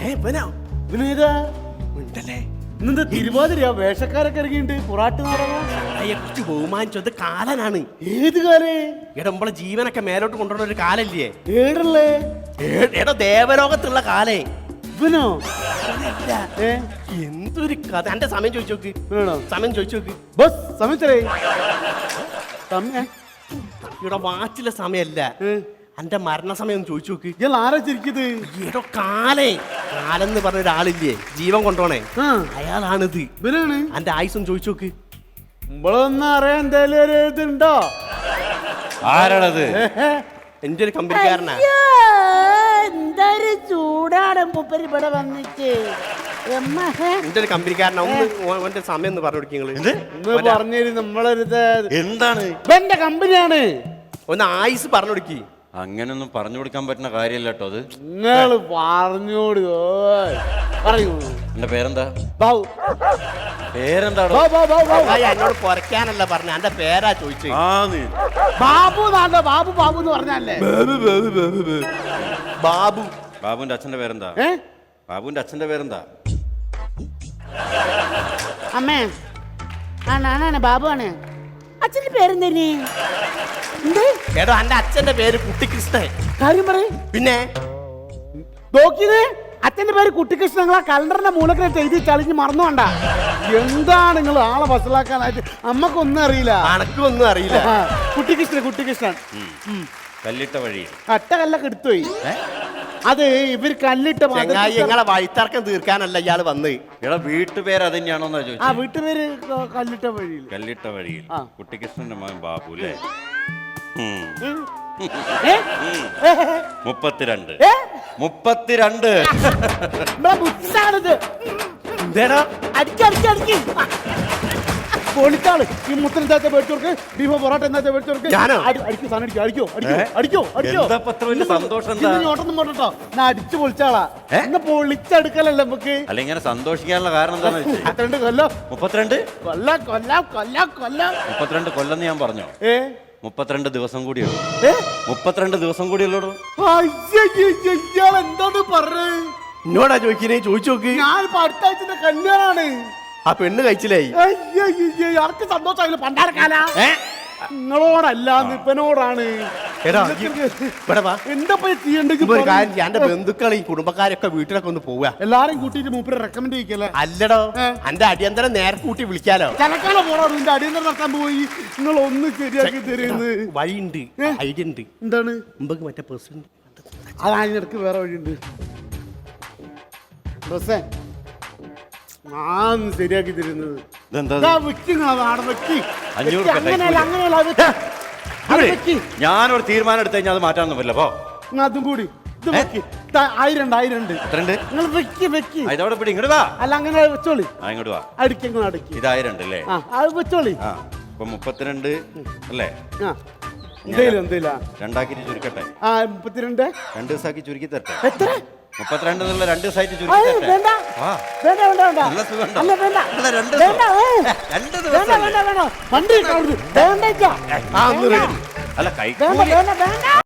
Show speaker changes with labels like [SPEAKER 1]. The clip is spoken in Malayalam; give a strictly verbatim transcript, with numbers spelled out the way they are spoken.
[SPEAKER 1] ഇന്നെന്താ തിരുവാതിരയാ വേഷക്കാരൊക്കെ ഇറങ്ങിയിട്ട് പൊറാട്ട്
[SPEAKER 2] നാടകയെ കുറിച്ച് ബഹുമാനിച്ചത് കാലനാണ്.
[SPEAKER 1] ഏത് കാലേ?
[SPEAKER 2] എടാ നമ്മളെ ജീവനൊക്കെ മേലോട്ട് കൊണ്ടുവരുന്ന ഒരു കാലല്ലേ?
[SPEAKER 1] ഏടല്ലേ?
[SPEAKER 2] എടാ ദേവലോകത്തുള്ള കാലേ.
[SPEAKER 1] ഇവനോ?
[SPEAKER 2] എന്തൊരു കഥ. എന്റെ സമയം ചോദിച്ചു നോക്ക്. സമയം ചോദിച്ചു നോക്ക്.
[SPEAKER 1] ബസ് സമയത്തേ സമയം
[SPEAKER 2] ഇവിടെ വാച്ചിലെ സമയല്ല, എന്റെ മരണസമയം ഒന്ന് ചോദിച്ചു നോക്ക്.
[SPEAKER 1] ഇയാൾ ആരാ ചിരിക്കുന്നത്?
[SPEAKER 2] ഏടോ കാലേ. കാലെന്ന് പറഞ്ഞ ഒരാളില്ലേ ജീവൻ കൊണ്ടോണേ, അയാളാണിത്.
[SPEAKER 1] ഇവനാണ്.
[SPEAKER 2] എന്റെ ആയുസം ചോദിച്ചു നോക്ക്.
[SPEAKER 1] നമ്മളൊന്നും അറിയാൻ എന്തായാലും ഒരു ഇതുണ്ടോ?
[SPEAKER 3] ആരാണത്?
[SPEAKER 2] എന്റെ ഒരു കമ്പനിക്കാരനാ.
[SPEAKER 4] എന്തൊരു ചൂടാണ് മൂപ്പര് ഇവിടെ വന്നിട്ട്.
[SPEAKER 2] എന്റെ ഒരു കമ്പനിക്കാരനാ. ഒന്ന് ഓന്റെ സമയം ഒന്ന് പറഞ്ഞു കൊടുക്കുക.
[SPEAKER 1] പറഞ്ഞു നമ്മളൊരു
[SPEAKER 3] എന്താണ്?
[SPEAKER 1] എന്റെ കമ്പനിയാണ്.
[SPEAKER 2] ഒന്ന് ആയുസ് പറഞ്ഞു കൊടുക്കി.
[SPEAKER 3] അങ്ങനൊന്നും പറഞ്ഞു കൊടുക്കാൻ പറ്റുന്ന കാര്യമല്ല കേട്ടോ അത്.
[SPEAKER 1] നിങ്ങള് പറഞ്ഞോട് പറയൂ.
[SPEAKER 3] എന്റെ പേരെന്താ?
[SPEAKER 1] ബാബു.
[SPEAKER 3] പേരെന്താടോ?
[SPEAKER 2] എന്നോട് പൊറക്കാനല്ല പറഞ്ഞ, എന്റെ പേരാ ചോദിച്ചു.
[SPEAKER 1] ബാബു നാണ്ട ബാബു ബാബു എന്ന് പറഞ്ഞല്ലേ?
[SPEAKER 2] ബാബു.
[SPEAKER 3] ബാബുവിന്റെ അച്ഛന്റെ പേരെന്താ? ബാബുവിന്റെ അച്ഛന്റെ പേരെന്താ?
[SPEAKER 4] അമ്മേ ആണാണ് ബാബു ആണ്. അച്ഛന്റെ പേരെന്തേനി?
[SPEAKER 2] എടോ എന്റെ അച്ഛന്റെ പേര് കുട്ടിക്കൃഷ്ണൻ.
[SPEAKER 1] കാര്യം പറയും.
[SPEAKER 2] പിന്നെ
[SPEAKER 1] നോക്കിയത് അച്ഛന്റെ പേര് കുട്ടിക്കൃഷ്ണൻ. നിങ്ങളാ കലണ്ടറിന്റെ മൂലക്കിട്ട് എഴുതി ചളിഞ്ഞ് മറന്നുകൊണ്ട. എന്താണ് നിങ്ങൾ ആളെ വസലാക്കാനായിട്ട്? നമ്മക്കൊന്നും അറിയില്ല.
[SPEAKER 2] അനക്കും ഒന്നും അറിയില്ല.
[SPEAKER 1] കുട്ടിക്കൃഷ്ണൻ കുട്ടിക്കൃഷ്ണൻ
[SPEAKER 3] കല്ലിട്ട വഴി.
[SPEAKER 1] അട്ട കല്ലൊക്കെ എടുത്തുപോയി. അത് ഇവര് കല്ലിട്ട
[SPEAKER 2] നിങ്ങളെ വഴിത്തർക്കം തീർക്കാനല്ല ഇയാള് വന്ന്.
[SPEAKER 3] എടാ വീട്ടുപേര് അത് തന്നെയാണോന്നാ
[SPEAKER 1] ആ
[SPEAKER 3] ചോദിച്ചത്.
[SPEAKER 1] വീട്ടുപേര് കല്ലിട്ട വഴിയിൽ.
[SPEAKER 3] കല്ലിട്ട വഴിയിൽ. കുട്ടിക്കൃഷ്ണന്റെ മകൻ ബാബു അല്ലേ? മുപ്പത്തിരണ്ട് മുപ്പത്തിരണ്ട്
[SPEAKER 2] എന്തേടാ
[SPEAKER 1] അടിക്കടിക്കടിക്ക് പൊളിച്ചാള്. ഈ മുത്തനെന്താ മേടിച്ചോർക്ക്? ബീഫോ പൊറോട്ട എന്താ മേടിച്ചോർക്ക്? അടിക്കോ സാധനം അടിക്കോ അടിക്കോ അടിക്കോ അടിക്കോ അടിക്കോ.
[SPEAKER 3] സന്തോഷം
[SPEAKER 1] ഓട്ടൊന്നും പോട്ടോ. ഞാൻ അടിച്ചു പൊളിച്ചാളാ. ഇന്ന് പൊളിച്ചെടുക്കലല്ലേ നമുക്ക്.
[SPEAKER 3] അല്ല ഇങ്ങനെ സന്തോഷിക്കാനുള്ള കാരണം എന്താന്ന് വെച്ചാൽ
[SPEAKER 1] മുപ്പത്തിരണ്ട് കൊല്ലം
[SPEAKER 3] മുപ്പത്തിരണ്ട്
[SPEAKER 1] കൊല്ലം കൊല്ലം കൊല്ലം കൊല്ലം
[SPEAKER 3] മുപ്പത്തിരണ്ട് കൊല്ലം ഞാൻ പറഞ്ഞോ?
[SPEAKER 1] ഏ
[SPEAKER 3] മുപ്പത്തിരണ്ട് ദിവസം കൂടിയുള്ളൂ. മുപ്പത്തിരണ്ട് ദിവസം കൂടിയുള്ളൂ.
[SPEAKER 1] ഇയാൾ എന്താണ് പറഞ്ഞത്?
[SPEAKER 2] എന്നോടാ ചോദിക്കുന്നേ? ചോദിച്ചു നോക്ക്.
[SPEAKER 1] ഞാൻ ഇപ്പൊ അടുത്ത ആഴ്ചന്റെ കല്യാണാണ്.
[SPEAKER 2] ആ പെണ്ണ് കഴിച്ചില്ലായി.
[SPEAKER 1] ആർക്ക് സന്തോഷമായില്ല പണ്ടാരക്കാല. നിങ്ങളോടല്ല നിപ്പനോടാണ്. എന്താ ചെയ്യണ്ടെങ്കിൽ
[SPEAKER 2] എന്റെ ബന്ധുക്കളെ ഈ കുടുംബക്കാരൊക്കെ വീട്ടിലൊക്കെ ഒന്ന് പോവുക.
[SPEAKER 1] എല്ലാരും കൂട്ടിട്ട് മൂപ്പര് റെക്കമെൻഡ് ചെയ്യിക്കല്ലേ?
[SPEAKER 2] അല്ലടോ എന്റെ അടിയന്തരം നേരെ കൂട്ടി വിളിക്കാലോ.
[SPEAKER 1] ചലക്കാല പോണോ? നിന്റെ അടിയന്തരം നടത്താൻ പോയി. നിങ്ങൾ ഒന്ന് ശരിയാക്കി തരുന്നത്
[SPEAKER 2] വഴിയുണ്ട്, ഐഡിയ ഉണ്ട്.
[SPEAKER 1] എന്താണ്?
[SPEAKER 2] മുമ്പ് മറ്റേ പ്രസിഡന്റ്
[SPEAKER 1] അത് അതിനിടക്ക് വേറെ വഴിയുണ്ട്. ബസ്സേ ഞാൻ ശരിയാക്കി തരുന്നത്.
[SPEAKER 3] ഞാനൊരു തീരുമാനം എടുത്തു കഴിഞ്ഞാൽ അത് മാറ്റാനൊന്നും പറ്റില്ല. പോ
[SPEAKER 1] അതും കൂടി ആയിരം ആയിരം ഉണ്ട്. നിങ്ങൾ വെക്കി വെക്കി
[SPEAKER 3] ഇതോടെ പിടി. ഇങ്ങോട്ട് വാ.
[SPEAKER 1] അല്ല അങ്ങനെ വെച്ചോളി.
[SPEAKER 3] ഇങ്ങോട്ട് വാ.
[SPEAKER 1] അടിക്കങ്ങൾ അടക്കി.
[SPEAKER 3] ഇതായിരം ഉണ്ട് അല്ലേ?
[SPEAKER 1] അത് വെച്ചോളി.
[SPEAKER 3] ആ ഇപ്പൊ മുപ്പത്തിരണ്ട് അല്ലേ?
[SPEAKER 1] എന്തേലും എന്തേല
[SPEAKER 3] രണ്ടാക്കിട്ട് ചുരുക്കട്ടെ.
[SPEAKER 1] ആ മുപ്പത്തിരണ്ട്
[SPEAKER 3] രണ്ട് ദിവസമാക്കി ചുരുക്കി തരട്ടെ.
[SPEAKER 1] എത്ര?
[SPEAKER 3] മുപ്പത്തിരണ്ട് എന്നുള്ള രണ്ട് സൈറ്റ് ചുരുക്കി തരട്ടെ. നല്ല സുഖം. അല്ല കൈ